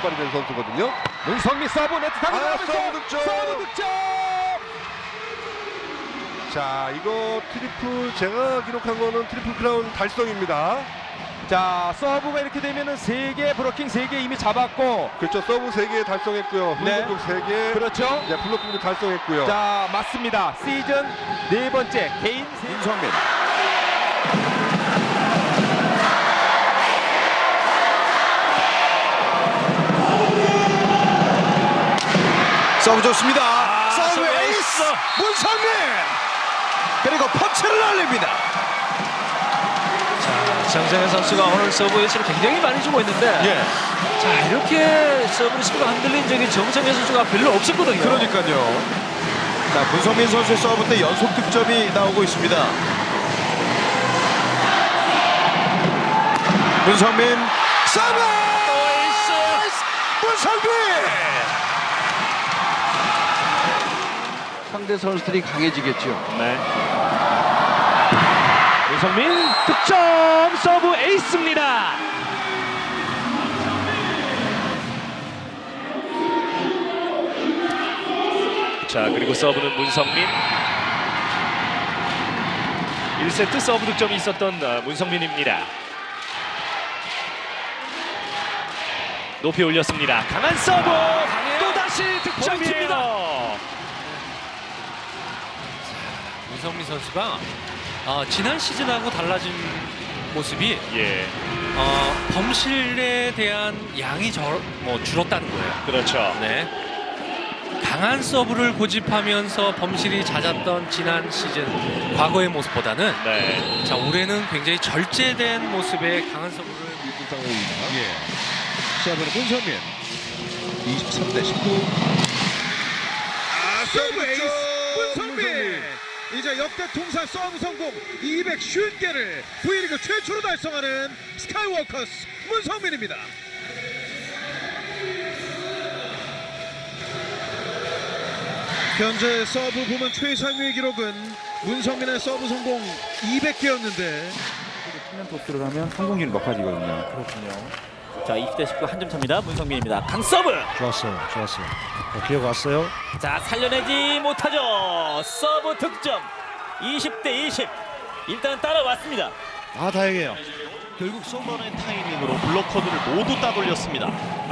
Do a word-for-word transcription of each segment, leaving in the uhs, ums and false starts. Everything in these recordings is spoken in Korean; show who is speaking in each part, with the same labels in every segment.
Speaker 1: 선발이 된 선수거든요.
Speaker 2: 문성민 서브 네트 타고
Speaker 1: 아,
Speaker 2: 나가면서
Speaker 1: 서브 득점!
Speaker 2: 서브 득점!
Speaker 1: 자, 이거 트리플 제가 기록한 거는 트리플 크라운 달성입니다.
Speaker 2: 자, 서브가 이렇게 되면은 세 개 브로킹 세 개 이미 잡았고,
Speaker 1: 그렇죠. 서브 세 개 달성했고요.
Speaker 2: 네.
Speaker 1: 블록 세 개.
Speaker 2: 그렇죠.
Speaker 1: 이제 블록도 달성했고요.
Speaker 2: 자, 맞습니다. 시즌 네 번째 개인 세...
Speaker 3: 문성민. 서브 좋습니다.
Speaker 4: 아,
Speaker 3: 서브
Speaker 4: 서브
Speaker 3: 에이스
Speaker 4: 에이스!
Speaker 3: 문성민. 그리고 펀치를 날립니다.
Speaker 4: 자, 정성현 선수가 오늘 서브 에이스를 굉장히 많이 주고 있는데
Speaker 3: 예.
Speaker 4: 자, 이렇게 서브 리시브가 흔들린 적이 정성현 선수가 별로 없었거든요.
Speaker 3: 그러니까요. 자, 문성민 선수의 서브 때 연속 득점이 나오고 있습니다. 문성민 서브
Speaker 4: 에이스!
Speaker 3: 문성민.
Speaker 5: 상대 선수들이 강해지겠죠.
Speaker 4: 네. 문성민 득점 서브 에이스입니다. 자, 그리고 서브는 문성민. 일 세트 서브 득점이 있었던 어, 문성민입니다. 높이 올렸습니다. 강한 서브. 또다시 득점이에요.
Speaker 6: 문성민 선수가 어, 지난 시즌하고 달라진 모습이
Speaker 4: 예,
Speaker 6: 어, 범실에 대한 양이 절, 뭐 줄었다는 거예요.
Speaker 4: 그렇죠.
Speaker 6: 네. 강한 서브를 고집하면서 범실이 잦았던 지난 시즌 과거의 모습보다는
Speaker 4: 네.
Speaker 6: 자, 올해는 굉장히 절제된 모습의 강한 서브를
Speaker 5: 이긴 상황입니다.
Speaker 3: 예. 시합은 문성민. 이십삼 대 십구.
Speaker 7: 아, 서브 에이스 문성민. 이제 역대 통산 서브 성공 이백오십 개를 V리그 최초로 달성하는 스카이워커스 문성민입니다. 현재 서브 부문 최상위의 기록은 문성민의 서브 성공 이백 개였는데
Speaker 8: 측면 토스를 하면 성공률이 높아지거든요.
Speaker 9: 그렇군요. 자, 이십 대 십구 한 점 차입니다. 문성민입니다. 강서브.
Speaker 7: 좋았어요, 좋았어요. 기억 왔어요.
Speaker 9: 자, 살려내지 못하죠. 서브 득점. 이십 대 이십. 일단 따라왔습니다.
Speaker 7: 아, 다행이에요.
Speaker 3: 결국 쏘버는 타이밍으로 블로커들을 모두 따돌렸습니다.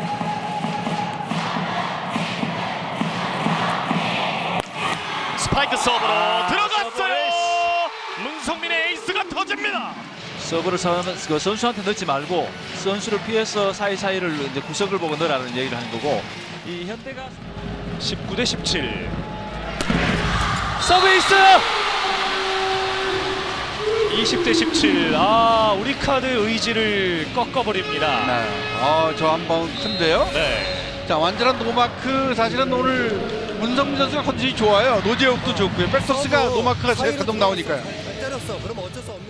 Speaker 3: 스파이크 서브로
Speaker 4: 아,
Speaker 3: 들어갔어요. 문성민의 에이스가 터집니다.
Speaker 9: 서브를 선, 그 선수한테 넣지 말고 선수를 피해서 사이사이를 이제 구석을 보고 넣으라는 얘기를 하는 거고, 이 현대가
Speaker 4: 십구 대 십칠. 서브 에이스! 이십 대 십칠. 아, 우리 카드의 의지를 꺾어버립니다.
Speaker 5: 네. 어, 저 한번 큰데요.
Speaker 4: 네.
Speaker 5: 자, 완전한 노마크. 사실은 오늘 문성민 선수가 컨디션이 좋아요. 노재욱도 좋고요. 백토스가 노마크가 계속 나오니까요.
Speaker 10: 때렸어. 그럼 어쩔 수 없